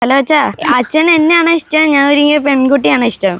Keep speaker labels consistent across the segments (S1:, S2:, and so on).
S1: Hello അച്ഛാ, അച്ഛൻ എന്നെയാണോ ഇഷ്ടം, ഞാൻ ഒരുങ്ങിയ പെൺകുട്ടിയാണോ ഇഷ്ടം?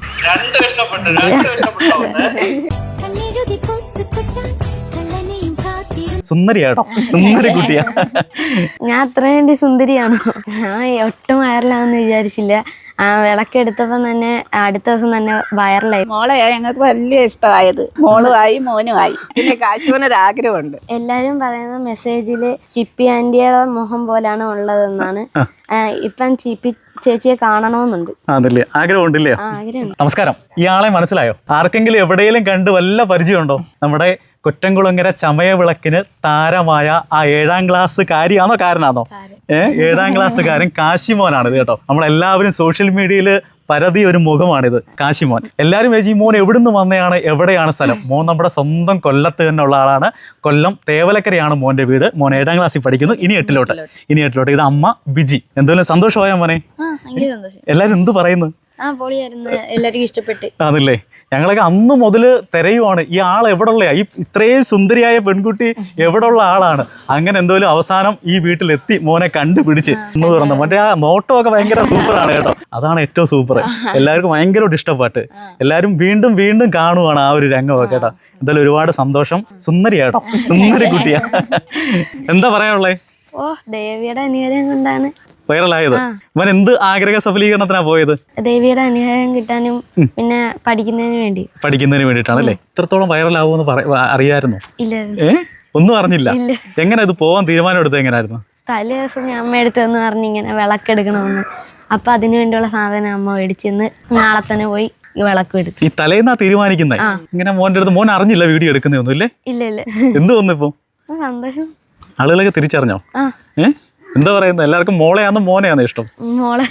S2: സുന്ദരിയാട്ടോ, സുന്ദരി കുട്ടിയാ.
S1: ഞാൻ അത്ര വേണ്ടി സുന്ദരിയാണോ? ഞാൻ ഒട്ടും വൈറലാണെന്ന് വിചാരിച്ചില്ല. വിളക്കെടുത്തപ്പോ തന്നെ അടുത്ത ദിവസം തന്നെ വൈറലായി.
S3: മോളെയാ ഞങ്ങൾക്ക് വലിയ ഇഷ്ടമായത്. മോളുമായി മോനുമായി. പിന്നെ കാശുവിനൊരാഗ്രഹമുണ്ട്.
S1: എല്ലാരും പറയുന്ന മെസ്സേജില് ചിപ്പി ആന്റിയുടെ മുഖം പോലാണ് ഉള്ളതെന്നാണ്. ഇപ്പം ചിപ്പി ചേച്ചിയെ കാണണമെന്നുണ്ട്.
S2: അതല്ലേ ആഗ്രഹമുണ്ടല്ലേ?
S1: ആഗ്രഹമുണ്ട്.
S2: നമസ്കാരം. ഇയാളെ മനസ്സിലായോ? ആർക്കെങ്കിലും എവിടെയെങ്കിലും കണ്ട് വല്ല പരിചയമുണ്ടോ? നമ്മുടെ കൊറ്റംകുളങ്ങര ചമയവിളക്കിന് താരമായ ആ 7ാം ക്ലാസ്സുകാരിയാണോ കാരനാണോ? 7ാം ക്ലാസ്സുകാരൻ കാശിമോനാണിത് കേട്ടോ. നമ്മളെല്ലാവരും സോഷ്യൽ മീഡിയയിൽ പരതി ഒരു മുഖമാണിത്, കാശിമോൻ. എല്ലാവരും ഈ മോൻ എവിടുന്ന് വന്നതാണ്, എവിടെയാണ് സ്ഥലം? മോൻ നമ്മുടെ സ്വന്തം കൊല്ലത്ത് തന്നെ ഉള്ള ആളാണ്. കൊല്ലം തേവലക്കരയാണ് മോൻ്റെ വീട്. മോൻ 7ാം ക്ലാസ്സിൽ പഠിക്കുന്നു. ഇനി എട്ടിലോട്ട്. ഇത് അമ്മ ബിജി. എന്തെങ്കിലും സന്തോഷമായോ മോനെ? എല്ലാവരും എന്ത് പറയുന്നു?
S1: എല്ലാവർക്കും ഇഷ്ടപ്പെട്ട്.
S2: അതല്ലേ, ഞങ്ങളൊക്കെ അന്ന് മുതൽ തിരയുവാണ് ഈ ആൾ എവിടെയുള്ളയാ, ഈ ഇത്രയും സുന്ദരിയായ പെൺകുട്ടി എവിടെയുള്ള ആളാണ്. അങ്ങനെ എന്തോലും അവസാനം ഈ വീട്ടിലെത്തി, മോനെ കണ്ടുപിടിച്ച് എന്ന് തുറന്നു. മറ്റേ ആ നോട്ടമൊക്കെ ഭയങ്കര സൂപ്പറാണ് കേട്ടോ. അതാണ് ഏറ്റവും സൂപ്പർ. എല്ലാവർക്കും ഭയങ്കരമായിട്ട് ഇഷ്ടപ്പെട്ട് എല്ലാവരും വീണ്ടും വീണ്ടും കാണുവാണ് ആ ഒരു രംഗമൊക്കെ കേട്ടോ. എന്തായാലും ഒരുപാട് സന്തോഷം. സുന്ദരിയാട്ടോ, സുന്ദരി കുട്ടിയാ. എന്താ പറയാനുള്ളേ?
S1: ദേവിയുടെ അനുഗ്രഹം കൊണ്ടാണ്
S2: വൈറലായത്. അവൻ എന്ത് ആഗ്രഹ സഫലീകരണത്തിനാ പോയത്?
S1: ദേവിയുടെ അനുഗ്രഹം കിട്ടാനും പിന്നെ പഠിക്കുന്നതിന്
S2: വേണ്ടിയിട്ടാണല്ലേ. ഇത്രത്തോളം വൈറലാവുമെന്ന് അറിയായിരുന്നു?
S1: ഇല്ലായിരുന്നു.
S2: ഒന്നും അറിഞ്ഞില്ല. എങ്ങനെ ഇത് പോവാൻ തീരുമാനം എടുത്തത്? എങ്ങനെയായിരുന്നു?
S1: തലേ ദിവസം ഞാൻ അമ്മ എടുത്തെന്ന് പറഞ്ഞ് ഇങ്ങനെ വിളക്കെടുക്കണമെന്ന്. അപ്പൊ അതിനു വേണ്ടിയുള്ള സാധനം അമ്മ മേടിച്ചെന്ന് നാളെ തന്നെ പോയി വിളക്ക് എടുത്തു.
S2: ഈ തലേന്നാ തീരുമാനിക്കുന്നത്? ഇങ്ങനെ മോന്റെ അടുത്ത് മോൻ അറിഞ്ഞില്ല വീഡിയോ എടുക്കുന്നൊന്നും ഇല്ലേ?
S1: ഇല്ല.
S2: എന്ത് തോന്നുന്നു ഇപ്പൊ?
S1: സന്തോഷം.
S2: ആളുകളൊക്കെ തിരിച്ചറിഞ്ഞോ? എന്താ പറയുന്നത്? എല്ലാവർക്കും മോളെയാണോ മോനെയാണോ ഇഷ്ടം?
S1: മോളെ.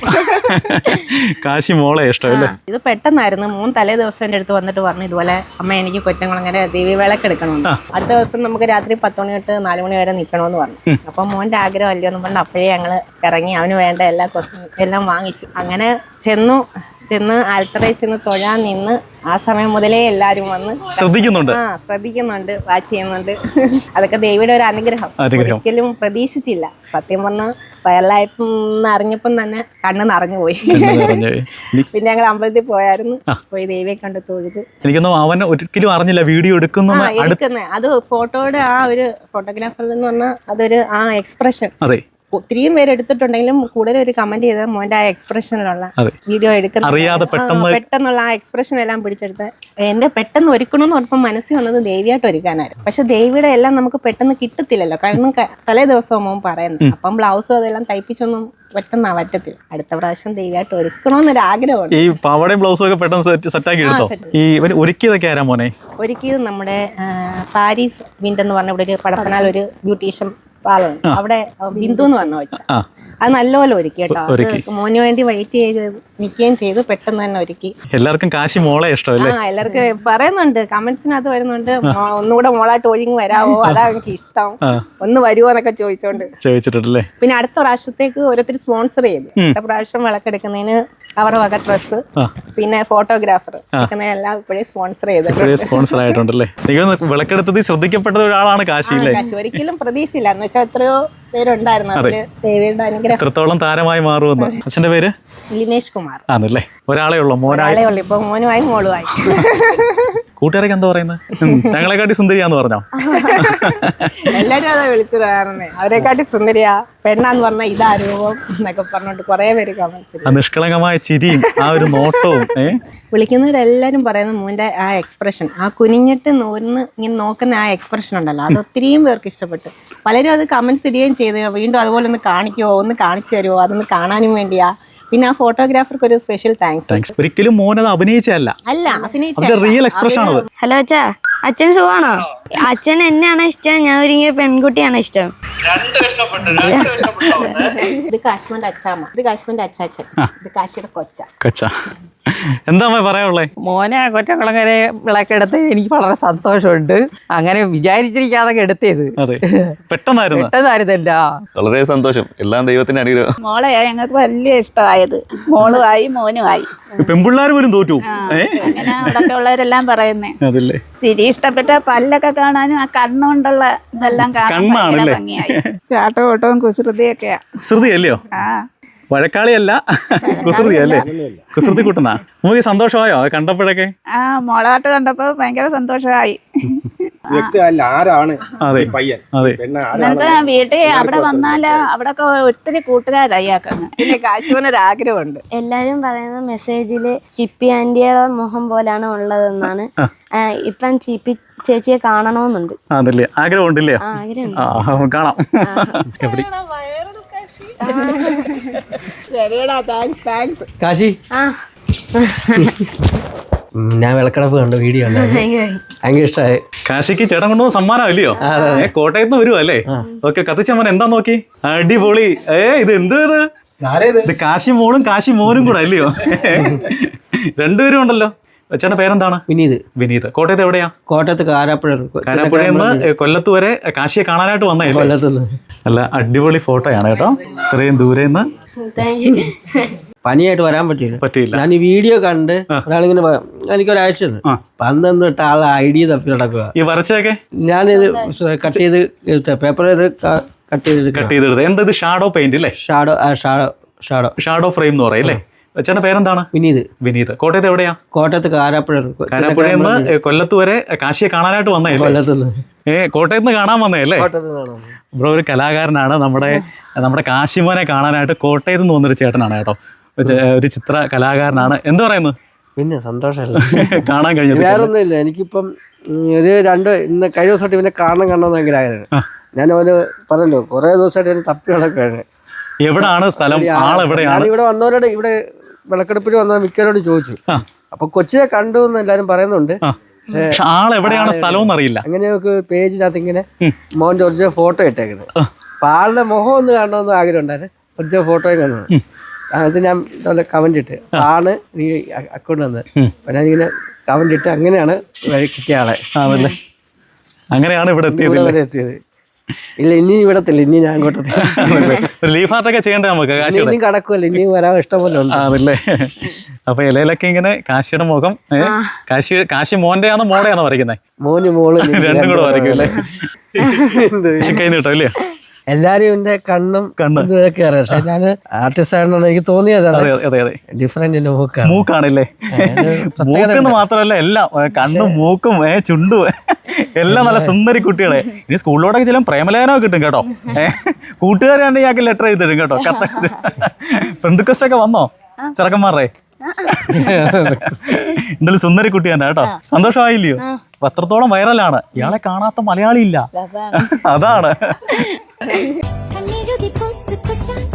S2: കാശി മോളെ ഇഷ്ടം അല്ലേ?
S3: ഇത് പെട്ടെന്നായിരുന്നു. മോൻ തലേ ദിവസം എൻ്റെ അടുത്ത് വന്നിട്ട് പറഞ്ഞു, ഇതുപോലെ അമ്മ എനിക്ക് കൊറ്റംകുളങ്ങര ദേവി വിളക്കെടുക്കണമെന്ന്. അടുത്ത ദിവസം നമുക്ക് രാത്രി 10 മണി തൊട്ട് 4 മണി വരെ നിൽക്കണമെന്ന് പറഞ്ഞു. അപ്പം മോൻ്റെ ആഗ്രഹം അല്ലയോ എന്ന് പറഞ്ഞ് അപ്പോഴേ ഞങ്ങൾ ഇറങ്ങി അവന് വേണ്ട എല്ലാം വാങ്ങിച്ചു. അങ്ങനെ ചെന്ന് ആൽത്തറയിൽ ചെന്ന് തൊഴാൻ നിന്ന് ആ സമയം മുതലേ എല്ലാരും വന്ന് ശ്രദ്ധിക്കുന്നുണ്ട്, വാച്ച് ചെയ്യുന്നുണ്ട്. അതൊക്കെ ദേവിയുടെ ഒരു അനുഗ്രഹം. ഒരിക്കലും പ്രതീക്ഷിച്ചില്ല. സത്യം പറഞ്ഞാൽ വയറിലായപ്പം അറിഞ്ഞപ്പം തന്നെ കണ്ണ് നിറഞ്ഞു പോയി. പിന്നെ ഞങ്ങൾ അമ്പലത്തിൽ പോയായിരുന്നു. പോയി ദേവിയെ കണ്ട് തൊഴുത്.
S2: എനിക്കൊന്നും അവൻ ഒരിക്കലും അറിഞ്ഞില്ല വീഡിയോ എടുക്കുന്നത്.
S3: അത് ഫോട്ടോയുടെ ആ ഒരു ഫോട്ടോഗ്രാഫർ എന്ന് പറഞ്ഞാൽ അതൊരു ആ എക്സ്പ്രഷൻ. ഒത്തിരിയും പേര് എടുത്തിട്ടുണ്ടെങ്കിലും കൂടുതൽ ഒരു കമന്റ് ചെയ്ത മോന്റെ ആ എക്സ്പ്രഷനിലുള്ള വീഡിയോ എടുക്കുന്ന പെട്ടെന്നുള്ള ആ എക്സ്പ്രഷൻ എല്ലാം പിടിച്ചെടുത്ത് എന്റെ പെട്ടെന്ന് ഒരുക്കണമെന്ന് പറഞ്ഞപ്പോൾ മനസ്സിൽ വന്നത് ദേവിയായിട്ട് ഒരുക്കാനായിരുന്നു. പക്ഷെ ദേവിയുടെ എല്ലാം നമുക്ക് പെട്ടെന്ന് കിട്ടത്തില്ലല്ലോ, കാരണം തലേ ദിവസവും മോൻ പറയുന്നത്. അപ്പം ബ്ലൗസും അതെല്ലാം തയ്പ്പിച്ചൊന്നും പറ്റത്തില്ല. അടുത്ത പ്രാവശ്യം ദേവിയായിട്ട് ഒരുക്കണമെന്നൊരു ആഗ്രഹമുണ്ട്.
S2: ഈ പാവടയും ബ്ലൗസും ഒക്കെ പെട്ടെന്ന് സെറ്റാക്കി എടുത്തോ? ഈ ഒരുക്കിയതൊക്കെ ആരാ മോനെ?
S3: ഒരുക്കിയത് നമ്മുടെ പാരീസ് വിൻഡ് എന്ന് പറഞ്ഞ ഇവിടെ ഒരു പടപ്പനാൽ ഒരു ബ്യൂട്ടീഷ്യൻ പാലുണ്ട്. അവിടെ ബിന്ദു എന്ന് പറഞ്ഞ വെച്ച അത് നല്ലപോലെ ഒരുക്കി കേട്ടോ. മോന് വേണ്ടി വെയിറ്റ് ചെയ്ത് നിൽക്കുകയും ചെയ്തു. പെട്ടെന്ന് തന്നെ ഒരുക്കി. എല്ലാവർക്കും
S2: കാശി മോളെ ഇഷ്ടമല്ലേ?
S3: എല്ലാവർക്കും പറയുന്നുണ്ട്, കമന്റ്സിനകത്ത് വരുന്നുണ്ട്, ഒന്നുകൂടെ മോളായിട്ട് ഒഴിഞ്ഞ് വരാവോ, അതാ എനിക്ക് ഇഷ്ടം, ഒന്ന് വരുമോ എന്നൊക്കെ ചോദിച്ചിട്ടുണ്ടല്ലേ. പിന്നെ അടുത്ത പ്രാവശ്യത്തേക്ക് ഓരോരുത്തർ സ്പോൺസർ ചെയ്തു. അടുത്ത പ്രാവശ്യം വിളക്കെടുക്കുന്നതിന് അവരുടെ വക ഡ്രസ്സ്, പിന്നെ ഫോട്ടോഗ്രാഫർ എല്ലാം ഇപ്പോഴേ സ്പോൺസർ
S2: ആയിട്ടുണ്ടല്ലേ. വിളക്കെടുത്തത് ശ്രദ്ധിക്കപ്പെട്ട ഒരാളാണ് കാശി.
S3: ഒരിക്കലും പ്രതീക്ഷയില്ല എന്ന് വെച്ചാൽ എത്രയോ പേരുണ്ടായിരുന്നു. അതില് ദേവിയുടെ അനുഗ്രഹം.
S2: എത്രത്തോളം താരമായി മാറുമെന്ന്. അച്ഛന്റെ പേര്
S3: ലിനേഷ് കുമാർ
S2: ആണല്ലേ? ഒരാളേ ഉള്ളൂ?
S3: ഇപ്പൊ മോനുമായി മോളുമായി.
S2: കൂട്ടുകാരൊക്കെ എന്താ പറയുന്നത്? ഞങ്ങളെക്കാട്ടി സുന്ദരിയാന്ന് പറഞ്ഞോ?
S3: എല്ലാരും അതാ വിളിച്ചു പറയാറുണ്ട്, അവരെക്കാട്ടി സുന്ദരിയാ, പെണ്ണാന്ന് പറഞ്ഞാൽ ഇതാ രൂപം എന്നൊക്കെ പറഞ്ഞോണ്ട് കുറെ പേര് കമന്റ്സ്.
S2: നിഷ്കളങ്കമായ ചിരിയും ആ ഒരു നോട്ടവും.
S3: വിളിക്കുന്നവരെല്ലാരും പറയുന്നത് മോന്റെ ആ എക്സ്പ്രഷൻ, ആ കുനിഞ്ഞിട്ട് ഇങ്ങനെ നോക്കുന്ന ആ എക്സ്പ്രഷൻ ഉണ്ടല്ലോ, അത് ഒത്തിരിയും പേർക്ക് ഇഷ്ടപ്പെട്ടു. പലരും അത് കമന്റ്സ് ഇടുകയും ചെയ്ത് വീണ്ടും അതുപോലെ ഒന്ന് കാണിക്കുമോ, ഒന്ന് കാണിച്ചു തരുമോ, അതൊന്ന് കാണാനും വേണ്ടിയാ. പിന്നെ ആ ഫോട്ടോഗ്രാഫർക്ക് ഒരു സ്പെഷ്യൽ താങ്ക്സ്.
S2: ഒരിക്കലും മോനത് അഭിനയിച്ചല്ല, റിയൽ എക്സ്പ്രഷൻ ആണ്.
S1: ഹലോ അച്ഛാ, അച്ഛൻ സുഖാണോ? അച്ഛൻ എന്നെയാണോ ഇഷ്ടം, ഞാൻ ഒരുങ്ങിയ പെൺകുട്ടിയാണോ ഇഷ്ടം?
S3: ഇത് കാശ്മീരിന്റെ അച്ചാമ്മ, ഇത് കാശ്മീരിന്റെ അച്ചാച്ചൻ, ഇത് കാശിയുടെ കൊച്ച.
S2: എന്താ പറയാനുള്ളേ?
S4: മോനെ കൊറ്റംകുളങ്ങര വിളക്കെടുത്ത് എനിക്ക് വളരെ സന്തോഷമുണ്ട്. അങ്ങനെ വിചാരിച്ചിരിക്കാതെ എടുത്തേത് പെട്ടെന്നായിരുന്നല്ല.
S5: വളരെ സന്തോഷം. എല്ലാം ദൈവത്തിന്റെ അനുഗ്രഹം.
S3: മോളെയാ ഞങ്ങൾക്ക് വലിയ ഇഷ്ടമായത്. മോളുമായി മോനുമായി.
S2: പെൺപിള്ളേർ പോലും തോറ്റു.
S3: അങ്ങനെ അവിടെ ഉള്ളവരെല്ലാം പറയുന്നേ. ചിരി ഇഷ്ടപ്പെട്ട പല്ലൊക്കെ കാണാനും ആ കണ്ണുകൊണ്ടുള്ള ഇതെല്ലാം കാണാൻ ഭംഗിയായി. ചാട്ടോട്ടവും കുസൃതിയൊക്കെയാ.
S2: ശ്രുതിയല്ലയോ? വഴക്കാളിയല്ല, കുസൃതി അല്ലേ? കുസൃതി കൂട്ടുന്ന നമുക്ക് സന്തോഷമായോ അത് കണ്ടപ്പോഴൊക്കെ?
S6: മോളാട്ട് കണ്ടപ്പോ ഭയങ്കര സന്തോഷമായി.
S2: അതെ അതെ.
S6: എന്നിട്ട് വീട്ടിൽ അവിടെ വന്നാല് അവിടെ ഒത്തിരി കൂട്ടുകാരായി ആക്കുന്നത്. പിന്നെ കാശുവിനൊരാഗ്രഹമുണ്ട്.
S1: എല്ലാരും പറയുന്ന മെസ്സേജില് ചിപ്പി ആന്റിയുടെ മുഖം പോലാണ് ഉള്ളതെന്നാണ്. ഇപ്പം ചിപ്പി ചേച്ചിയെ കാണണമെന്നുണ്ട്.
S2: അതല്ലേ ആഗ്രഹം ഉണ്ടല്ലേ?
S1: ആഗ്രഹമുണ്ട്.
S2: കാണാം. എവിടെ
S7: കാശി, ഞാൻ വിളക്കടപ്പ് കണ്ട വീഡിയോ ഭയങ്കര ഇഷ്ടമായി.
S2: കാശിക്ക് ചേട്ടൻ കൊണ്ടുവന്ന സമ്മാനം ഇല്ലയോ? കോട്ടയത്ത് നിന്ന് വരുവാ അല്ലേ? ഓക്കെ, കത്തിച്ചമ്മൻ എന്താ നോക്കി? അടിപൊളി. ഇത് എന്ത് ഇത്? കാശി മോളും കാശി മോനും കൂടെ അല്ലയോ? രണ്ടുപേരും ഉണ്ടല്ലോ. ചേട്ടൻ്റെ പേരെന്താണ്?
S7: വിനീത്.
S2: വിനീത്. കോട്ടയത്ത് എവിടെയാ?
S7: കോട്ടയത്ത്
S2: കാരാപ്പുഴയിൽ നിന്ന് കൊല്ലത്ത് വരെ കാശിയെ കാണാനായിട്ട് വന്നേ?
S7: കൊല്ലത്തുനിന്ന്.
S2: അല്ല, അടിപൊളി ഫോട്ടോയാണ് കേട്ടോ. ഇത്രയും ദൂരെ നിന്ന്.
S7: പനിയായിട്ട് വരാൻ പറ്റിയില്ല. ഞാൻ ഈ വീഡിയോ കണ്ട് ഒരാളിങ്ങനെ എനിക്കൊരാഴ്ച പന്ത്രണ്ട് തൊട്ട് ആൾ ഐഡിയ തപ്പി നടക്കുക.
S2: ഈ വരച്ചൊക്കെ
S7: ഞാനിത് കട്ട് ചെയ്ത് പേപ്പർ കട്ട്
S2: ചെയ്തെടുത്ത്. എന്താ ഇത്? ഷാഡോ പെയിന്റ് അല്ലേ? ഷാഡോ ഫ്രെയിം എന്ന് പറയും അല്ലേ? ചേട്ടൻ്റെ പേരെന്താണ്?
S7: വിനീത്.
S2: വിനീത്. കോട്ടയത്ത് എവിടെയാ?
S7: കോട്ടയത്ത് കാരാപ്പുഴയിൽ
S2: നിന്ന് കൊല്ലത്ത് വരെ കാശിയെ കാണാനായിട്ട് വന്നേ?
S7: കൊല്ലത്തുനിന്ന്.
S2: കോട്ടയത്ത് നിന്ന് കാണാൻ വന്നേ അല്ലേ? ബ്രോ ഒരു കലാകാരനാണ്. നമ്മുടെ കാശിമോനെ കാണാനായിട്ട് കോട്ടയത്ത് നിന്ന് വന്നൊരു ചേട്ടനാണ് കേട്ടോ. ഒരു ചിത്ര കലാകാരനാണ്. എന്ത് പറയുന്നു?
S7: പിന്നെ സന്തോഷമല്ല
S2: കാണാൻ കഴിഞ്ഞത്.
S7: വേറൊന്നുമില്ല, എനിക്കിപ്പം ഒരു ഇന്ന് കഴിഞ്ഞ ദിവസമായിട്ട് ഇവനെ കാണണമെന്ന് ഭയങ്കര ആഗ്രഹം. ഞാൻ അവന് പറഞ്ഞല്ലോ കുറേ ദിവസമായിട്ട് അവന് തപ്പി നടക്കുകയാണ്.
S2: എവിടാണ് സ്ഥലം? ആളെവിടെയാണ്?
S7: ഞാനിവിടെ വന്നവരോട്, ഇവിടെ വിളക്കെടുപ്പിൽ വന്ന മിക്കവരോട് ചോദിച്ചു. അപ്പൊ കൊച്ചിയെ കണ്ടു എന്ന് എല്ലാരും പറയുന്നുണ്ട്.
S2: പക്ഷെ ആളെവിടെയാണ് സ്ഥലം അറിയില്ല.
S7: അങ്ങനെ നമുക്ക് പേജിനകത്ത് ഇങ്ങനെ മോന്റെ ഒറിജിനൽ ഫോട്ടോ ഇട്ടേക്കുന്നത്. അപ്പൊ ആളുടെ മുഖം ഒന്ന് കാണണമെന്ന് ആഗ്രഹം ഉണ്ടായിരുന്നു. ഒറിജിനൽ ഫോട്ടോയും കാണുന്നത്. അത് ഞാൻ കമന്റ് ഇട്ട് ആണ് നീ അക്കൗണ്ട് വന്നത്. അപ്പൊ ഞാനിങ്ങനെ കമന്റ് ഇട്ട് അങ്ങനെയാണ് കിട്ടിയ ആളെ.
S2: അതല്ലേ, അങ്ങനെയാണ് ഇവിടെ എത്തിയത്.
S7: ഇല്ല, ഇനി ഇവിടത്തില്ല, ഇനി ഞാൻ
S2: ലീഫ് ആർട്ടൊക്കെ ചെയ്യണ്ടേ നമുക്ക്?
S7: ഇനി കടക്കുമല്ലോ, ഇനി വരാൻ ഇഷ്ടംപോലെ ഉണ്ട്.
S2: അതല്ലേ. അപ്പൊ ഇലയിലൊക്കെ ഇങ്ങനെ കാശിയുടെ മുഖം. കാശി മോന്റെ ആണോ മോടെ ആണോ വരയ്ക്കുന്നത്?
S7: മോന് മോള്
S2: രണ്ടും കൂടെ വരയ്ക്കും അല്ലേ? കൈ നീട്ടോ അല്ലേ?
S7: എല്ലാരും എന്റെ കണ്ണും ഇതൊക്കെ അറിയാം. പക്ഷെ ഞാൻ ആർട്ടിസ്റ്റ് ആണെന്ന് എനിക്ക് തോന്നിയതാണ്. ഡിഫറെന്റ്
S2: മൂക്കാണല്ലേ? മൂക്കെന്ന് മാത്രമല്ല, എല്ലാം കണ്ണും മൂക്കും ചുണ്ടും എല്ലാം നല്ല സുന്ദരി കുട്ടികളെ. ഇനി സ്കൂളിലോട്ടൊക്കെ ചില പ്രേമലേഖനമൊക്കെ കിട്ടും കേട്ടോ. കൂട്ടുകാരാണ് ഇയാൾക്ക് ലെറ്റർ എഴുതിരും കേട്ടോ. കത്ത് ഫ്രണ്ട് റിക്വസ്റ്റ് ഒക്കെ വന്നോ ചെറുക്കന്മാരുടെ? എന്തായാലും സുന്ദരി കുട്ടി തന്നെ കേട്ടോ. സന്തോഷമായില്ലയോ? അത്രത്തോളം വൈറലാണ്. ഇയാളെ കാണാത്ത മലയാളി ഇല്ല. അതാണ്.